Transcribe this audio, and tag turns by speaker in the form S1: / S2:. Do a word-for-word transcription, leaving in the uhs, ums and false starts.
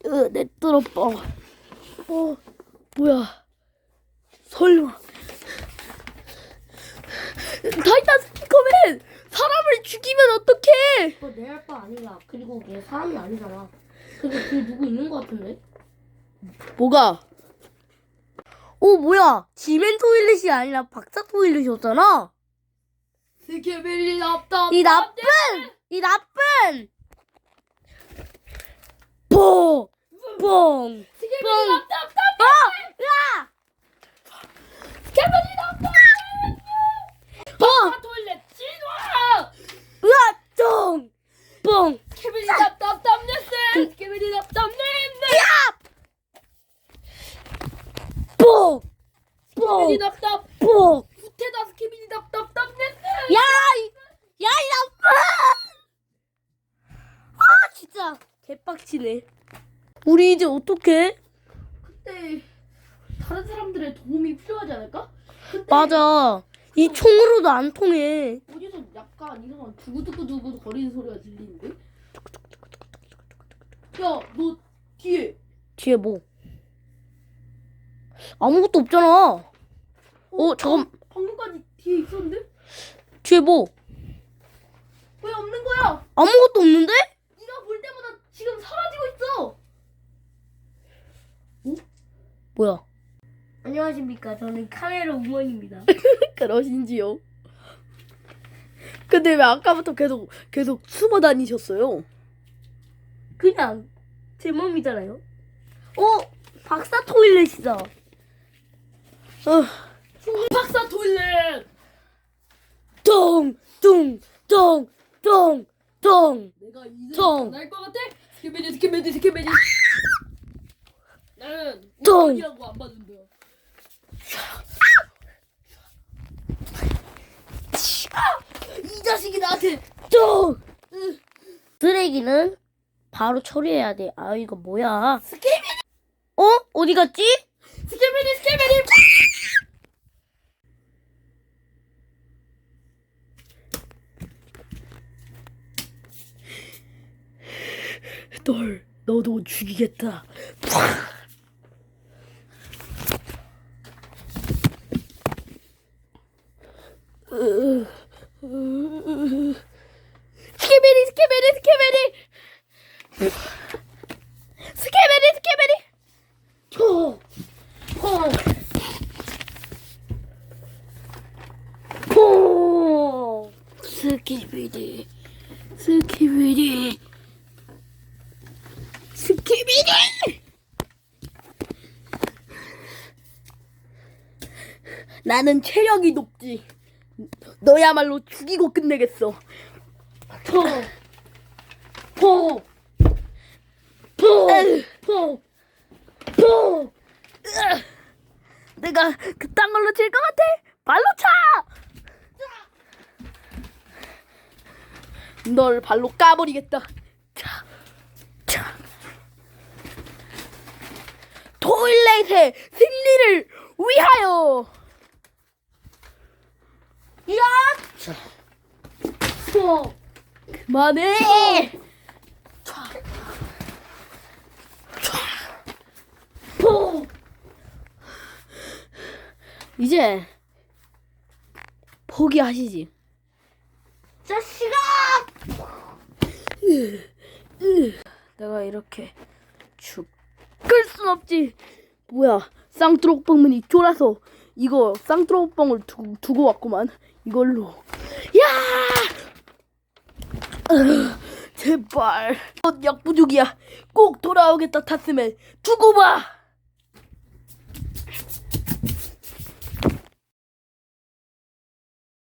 S1: 으, 내 뚫어뻥. 어, 뭐야? 설마. 타이탄 스피커맨! 사람을 죽이면 어떡해!
S2: 그거 내 할 바 아니야. 그리고 걔 사람이 아니잖아. 근데 그 누구 있는 거 같은데?
S1: 뭐가? 어, 뭐야? 지멘 토일렛이 아니라 박사 토일렛이었잖아?
S2: 스케벨이 나빠.
S1: 이 나쁜! 이 나쁜! 뽕! 뽕!
S2: 스케벨이 나빠.
S1: 어! 으아!
S2: 스케벨이 나빠.
S1: 뽕!
S2: 다 돌래. 진화.
S1: 으아! 쫑! 뽕!
S2: 스케벨이 나빠. 땀냈어. 스케벨이 나빠. 땀냈네.
S1: 야! 뽕!
S2: 스케벨이
S1: 뽕!
S2: 나빠.
S1: 뽕!
S2: 후퇴다. 스케벨이 나빠. 땀냈네.
S1: 야! 이- 야, 이 나쁜! 아, 진짜 개빡치네. 우리 이제 어떡해?
S2: 그때 다른 사람들의 도움이 필요하지 않을까? 근데
S1: 맞아. 이 총으로도 안 통해.
S2: 어디서 약간 이상한 두구두구두구 거리는 소리가 들리는데? 야, 너 뒤에
S1: 뒤에 뭐? 아무것도 없잖아. 어, 잠깐.
S2: 방금까지 뒤에 있었는데?
S1: 뒤에 뭐?
S2: 왜 없는 거야?
S1: 아무것도 없는데?
S2: 네가 볼 때마다 지금 사라지고 있어.
S1: 뭐야?
S2: 안녕하십니까? 저는 카메라 우먼입니다.
S1: 그러신지요? 근데 왜 아까부터 계속 계속 숨어 다니셨어요?
S2: 그냥 제 몸이잖아요.
S1: 어? 박사 토일렛이다. 어,
S2: 박사 토일렛.
S1: 똥, 뚱, 똥, 똥, 똥.
S2: 내가 이제
S1: 똥.
S2: 날것 같아? 스케베리 스케베리 스케베리. 나는
S1: 똥.
S2: 우먼이라고 안 받는다.
S1: 이 자식이 나한테 똥. 쓰레기는 바로 처리해야 돼. 아, 이거 뭐야?
S2: 스케베리
S1: 어? 어디 갔지?
S2: 스케베리 스케베리.
S1: 널 너도 죽이겠다.
S2: 스케베리 스케베리 스케베리. 스케베리 스케베리.
S1: 퐁! 퐁! 퐁! 스키비디, 스키비디, 스키비디! 나는 체력이 높지. 너야말로 죽이고 끝내겠어. 퐁! 퐁! 퐁! 퐁! 퐁! 으아! 내가 그딴 걸로 질 것 같아? 발로 차! 널 발로 까버리겠다. 차, 차. 토일렛의 승리를 위하여! 야! 퐁! 그만해! 퐁! 이제 포기하시지.
S2: 자식아!
S1: 내가 이렇게 죽을 순 없지. 뭐야, 쌍뚜록뻥문이 쫄아서 이거 쌍뚜록뻥을 두고, 두고 왔구만. 이걸로. 야! 으, 제발. 어, 약 부족이야. 꼭 돌아오겠다, 타스맨. 두고 봐.